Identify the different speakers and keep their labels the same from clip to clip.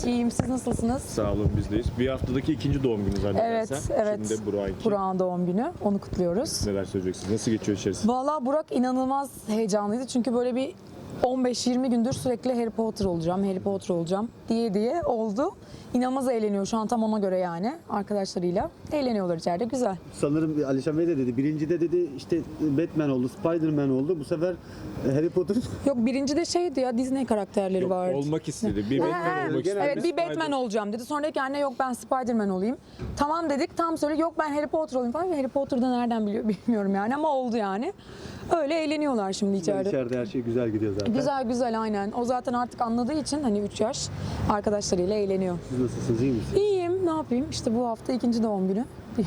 Speaker 1: İyiyim, siz nasılsınız?
Speaker 2: Sağ olun, bizdeyiz. Bir haftadaki ikinci doğum günü zannedersem.
Speaker 1: Evet.
Speaker 2: Şimdi de Burak'ınki.
Speaker 1: Burak'ın doğum günü, onu kutluyoruz.
Speaker 2: Neler söyleyeceksiniz? Nasıl geçiyor içerisi?
Speaker 1: Valla Burak inanılmaz heyecanlıydı çünkü böyle bir 15-20 gündür sürekli Harry Potter olacağım diye oldu. İnanılmaz eğleniyor şu an, tam ona göre yani, arkadaşlarıyla. Eğleniyorlar içeride, güzel.
Speaker 3: Sanırım Alişan Bey de dedi. Birincide dedi işte Batman oldu, Spider-Man oldu. Bu sefer Harry Potter.
Speaker 1: Yok, birinci de şeydi ya, Disney karakterleri
Speaker 2: Yok,
Speaker 1: vardı.
Speaker 2: olmak istedi. Bir Batman olmak istedi.
Speaker 1: Evet, bir Batman olacağım dedi. Sonra dedi ki anne yok ben Spider-Man olayım. Tamam dedik, tam söyle yok ben Harry Potter olayım falan. Harry Potter'da nereden biliyor bilmiyorum yani, ama oldu yani. Öyle eğleniyorlar şimdi içeride.
Speaker 3: İçeride her şey güzel gidiyor zaten.
Speaker 1: Güzel aynen. O zaten artık anladığı için hani 3 yaş arkadaşlarıyla eğleniyor.
Speaker 3: Siz nasılsınız, iyi misiniz?
Speaker 1: İyiyim, ne yapayım? İşte bu hafta ikinci doğum günü.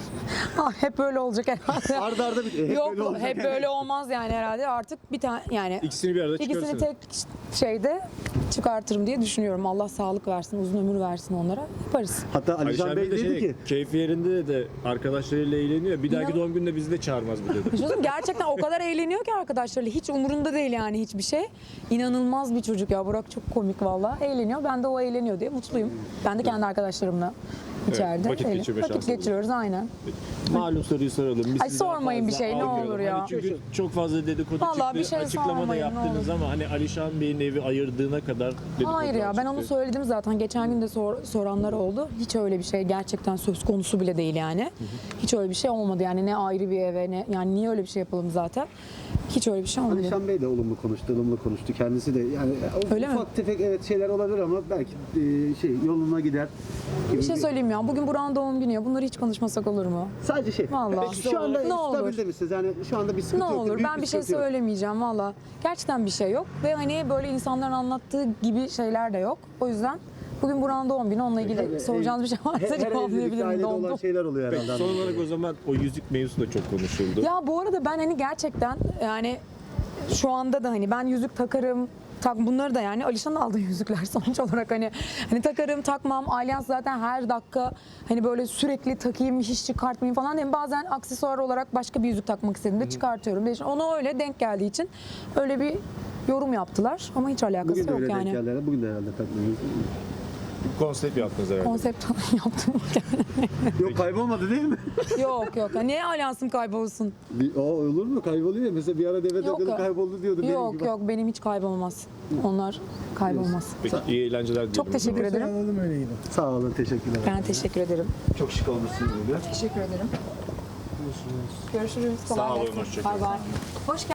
Speaker 1: Hep böyle olacak herhalde.
Speaker 3: Arda arda hep
Speaker 1: Yok,
Speaker 3: böyle olacak.
Speaker 1: hep böyle olmaz yani herhalde. Artık bir tane yani
Speaker 2: İkisini bir arada
Speaker 1: İkisini
Speaker 2: çıkarırsınız.
Speaker 1: tek şeyde çıkartırım diye düşünüyorum. Allah sağlık versin, uzun ömür versin onlara. Yaparız.
Speaker 3: Hatta Alişan Bey
Speaker 2: de
Speaker 3: dedi ki
Speaker 2: keyfi yerinde de arkadaşlarıyla eğleniyor. Bir dahaki
Speaker 1: İnan-
Speaker 2: doğum gününde bizi de çağırmaz bu dedi.
Speaker 1: Çocuk gerçekten o kadar eğleniyor ki arkadaşlarıyla. Hiç umurunda değil yani hiçbir şey. İnanılmaz bir çocuk ya. Burak çok komik valla. Eğleniyor. Ben de o eğleniyor diye mutluyum. Ben de kendi arkadaşlarımla içeride.
Speaker 2: vakit
Speaker 1: eğlen-
Speaker 2: geçirme
Speaker 1: Vakit
Speaker 2: şansınız.
Speaker 1: geçiriyoruz aynen.
Speaker 2: Malum soruyu soralım. Biz
Speaker 1: Ay,
Speaker 2: sizi daha
Speaker 1: sormayın bir
Speaker 2: fazla
Speaker 1: şey, ne
Speaker 2: almayalım.
Speaker 1: olur ya.
Speaker 2: Hani çünkü çok fazla dedikodu
Speaker 1: Vallahi
Speaker 2: çıktı.
Speaker 1: bir şey
Speaker 2: Açıklama da
Speaker 1: sormayın, ne
Speaker 2: yaptınız
Speaker 1: olur.
Speaker 2: ama hani Alişan Bey'in evi ayırdığına kadar dedikodular
Speaker 1: Hayır ya, ben
Speaker 2: çıktı.
Speaker 1: onu söyledim zaten. Geçen gün de soranlar oldu. Hiç öyle bir şey gerçekten söz konusu bile değil yani. Hiç öyle bir şey olmadı yani, ne ayrı bir eve ne yani, niye öyle bir şey yapalım zaten. Hiç öyle bir şey olmadı.
Speaker 3: Alişan Bey de ılımlı konuştu. Kendisi de yani
Speaker 1: Öyle mi?
Speaker 3: ufak tefek evet şeyler olabilir ama belki yoluna gider. gibi
Speaker 1: Bir şey söyleyeyim ya, bugün Burak'ın doğum günü ya, bunları hiç konuşmasak olur mu?
Speaker 3: Sadece şey.
Speaker 1: Vallahi.
Speaker 3: Peki şu anda
Speaker 1: Ne olur.
Speaker 3: stabilde misiniz? Yani şu anda bir sıkıntı
Speaker 1: Ne
Speaker 3: yok.
Speaker 1: olur,
Speaker 3: Büyük
Speaker 1: ben bir şey
Speaker 3: sıkıntı yok.
Speaker 1: söylemeyeceğim valla. Gerçekten bir şey yok ve hani böyle insanların anlattığı gibi şeyler de yok. O yüzden bugün Burak'ın doğum günü, onunla ilgili soracağınız bir şey
Speaker 3: Her
Speaker 1: varsa
Speaker 3: evlilikte
Speaker 1: cevaplayabilirim.
Speaker 3: ailede olan
Speaker 1: Dondum.
Speaker 3: şeyler oluyor
Speaker 2: Peki,
Speaker 3: herhalde.
Speaker 2: son olarak o zaman o yüzük mevzusu da çok konuşuldu.
Speaker 1: Ya bu arada ben hani gerçekten yani şu anda da hani ben yüzük takarım, bunları da yani Alişan'ın aldığı yüzükler sonuç olarak hani takarım takmam, alyans zaten her dakika hani böyle sürekli takayım hiç çıkartmayayım falan değil. Bazen aksesuar olarak başka bir yüzük takmak istediğimde çıkartıyorum. Ona öyle denk geldiği için öyle bir yorum yaptılar ama hiç alakası
Speaker 3: Bugün de
Speaker 1: yok
Speaker 3: öyle denk
Speaker 1: yani.
Speaker 3: geldi herhalde. Bugün de herhalde takmıyoruz.
Speaker 2: Konsept yaptınız herhalde.
Speaker 1: Konsept yaptım.
Speaker 3: Yok kaybolmadı değil mi?
Speaker 1: yok. Niye alyansım kaybolsun?
Speaker 3: Olur mu? Kayboluyor ya. Mesela bir ara deve
Speaker 1: Yok.
Speaker 3: takılı kayboldu diyordu. benim gibi.
Speaker 1: Yok benim hiç kaybolmaz. Onlar kaybolmaz.
Speaker 2: Peki, iyi eğlenceler dilerim.
Speaker 1: Çok teşekkür ederim.
Speaker 4: Anladım öyle gidin.
Speaker 3: Sağ olun. Teşekkürler.
Speaker 1: Ben teşekkür ederim.
Speaker 3: Çok şık olmuşsunuz bugün.
Speaker 1: Teşekkür ederim. Görüşürüz.
Speaker 2: Sağ olun, hoşça kalın.
Speaker 1: Bay bay. Hoş geldin.